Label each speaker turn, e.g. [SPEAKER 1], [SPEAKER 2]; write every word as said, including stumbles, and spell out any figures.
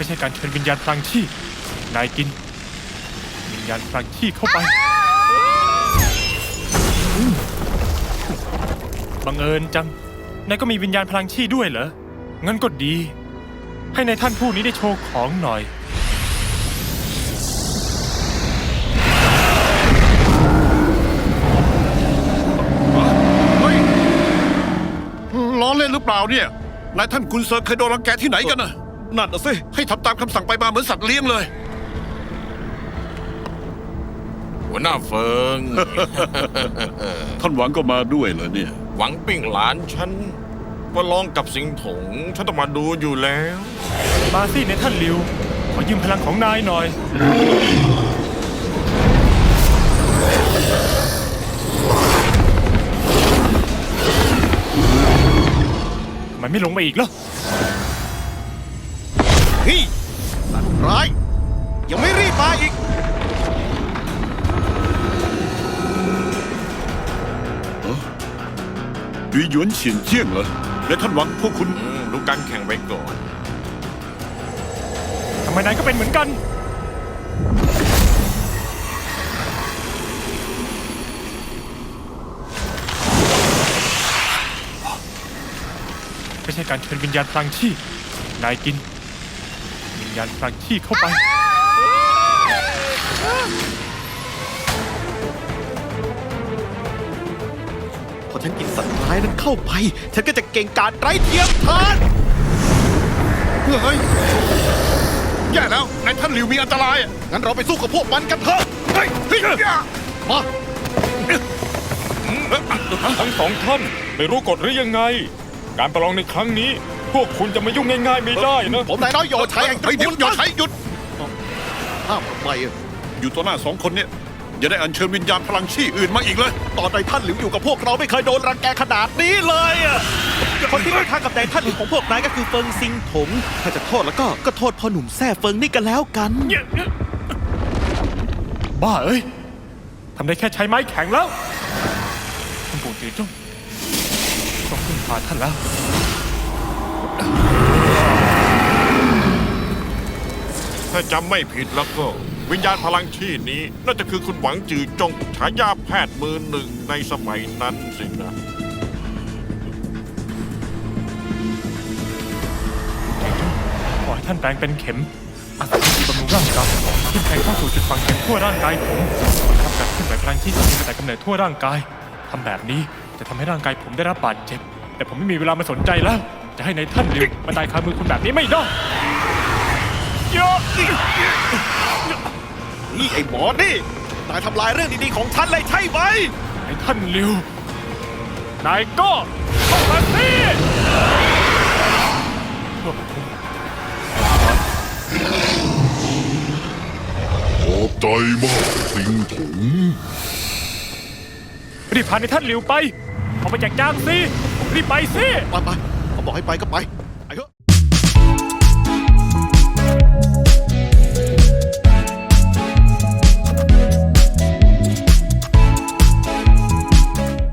[SPEAKER 1] ช่การเชิญวิญญาณพลังชีพนายกินวิญญาณพลังชีพเข้าไปบังเอิญจังนายก็มีวิญญาณพลังชีพด้วยเหรองั้นก็ดีให้นายท่านผู้นี้ได้โชว์ของหน่อย
[SPEAKER 2] ล้อเล่นหรือเปล่าเนี่ยนายท่านกุนเซอร์เคยโดนรังแกที่ไหนกันนะนั่นน่ะสิให้ทำตามคำสั่งไปมาเหมือนสัตว์เลี้ยงเลย
[SPEAKER 3] หัวหน้าเฟิง
[SPEAKER 2] ท่านหวังก็มาด้วยเหรอเนี่ย
[SPEAKER 3] หวังปิ้งหลานฉันประลองกับสิงถงฉันต้องมาดูอยู่แล้ว
[SPEAKER 1] มาสินายท่านลิวขอยืมพลังของนายหน่อยทำไมไม่ลงมาอีกล่ะ
[SPEAKER 4] เฮ้ยสัตว์ร้ายยังไม่รีบมาอีก
[SPEAKER 2] ดุยหยวนเฉียนเจี้ยงเหรอและท่านหวังพวกคุณ
[SPEAKER 3] อืมดูการแข่งไปก่อน
[SPEAKER 1] ทำไมนายก็เป็นเหมือนกันไม่ใช่การเชิญวิญญาณพลังชีพนายกินวิญญาณพลังชีพเข้าไป
[SPEAKER 4] พอฉันกินสัตว์ร้ายนั้นเข้าไปฉันก็จะเก่งกาจไร้เทียมทาน
[SPEAKER 2] เฮ้ยแย่แล้วนายท่านหลิวมีอันตรายอะ
[SPEAKER 4] งั้นเราไปสู้กับพวกมันกันเถอะเฮ้ยเฮ้ยมา
[SPEAKER 5] ทั้งสองท่านไม่รู้กฎหรือยังไงการประลองในครั้งนี้พวกคุณจะมายุ่งง่ายๆไม่ได้นะ
[SPEAKER 4] ผมนายน้อยโยชัยแห่งตระ
[SPEAKER 2] เฮ้ยเดี๋ย
[SPEAKER 4] กู
[SPEAKER 2] ว
[SPEAKER 4] ล
[SPEAKER 2] หยุดใช้หยุด
[SPEAKER 4] ห้ามทำไมอะ
[SPEAKER 2] อยู่ต่อหน้าสองคนเนี่ยอย่าได้อัญเชิญวิญญาณพลังชี่อื่นมาอีกเลย
[SPEAKER 4] ตอนนายท่านหลิวอยู่กับพวกเราไม่เคยโดนรังแกขนาดนี้เลยอะคนที่ไม่ทางกับนายท่านหลิวของพวกนายก็คือเฟิงซิงถงถ้าจะโทษแล้วก็ก็โทษพ่อหนุ่มแซ่เฟิงนี่กันแล้วกัน
[SPEAKER 1] บ้าเอ้ยทำได้แค่ใช้ไม้แข็งแล้วท่านปู่จือจ้องต้องพึ่งพาท่านแล้ว
[SPEAKER 3] ถ้าจำไม่ผิดแล้วก็วิญญาณพลังชีพนี้น่าจะคือคุณหวังจือจงฉายาแพทย์มือหนึ่งในสมัยนั้นสินะ
[SPEAKER 1] ขอให้ท่านแปลงเป็นเข็มอาศัยวิธีบำรุงร่างกายทิ่มแทงเข้าสู่จุดฝังเข็มทั่วร่างกายผมรับการเคลื่อนไหวพลังที่มีมาแต่กำเนิดทั่วร่างกายทำแบบนี้จะทำให้ร่างกายผมได้รับบาดเจ็บแต่ผมไม่มีเวลามาสนใจแล้วจะให้ในายท่านลิวมาตายคามือคุณแบบนี้ไม่ได้เยอะ
[SPEAKER 4] นี่ไอ้หมอนี่นายทำลายเรื่องดีๆของฉันเลยใช่ไหม
[SPEAKER 1] ในายท่านลิวนายก็เข้ามาสิพวกคุณ
[SPEAKER 6] ขอบใจมากสิงถง
[SPEAKER 1] รีบพาในายท่านลิวไปออกไปจากจางสิรีบไปสิ
[SPEAKER 4] ไปไปเขาบอกให้ไปก็ไป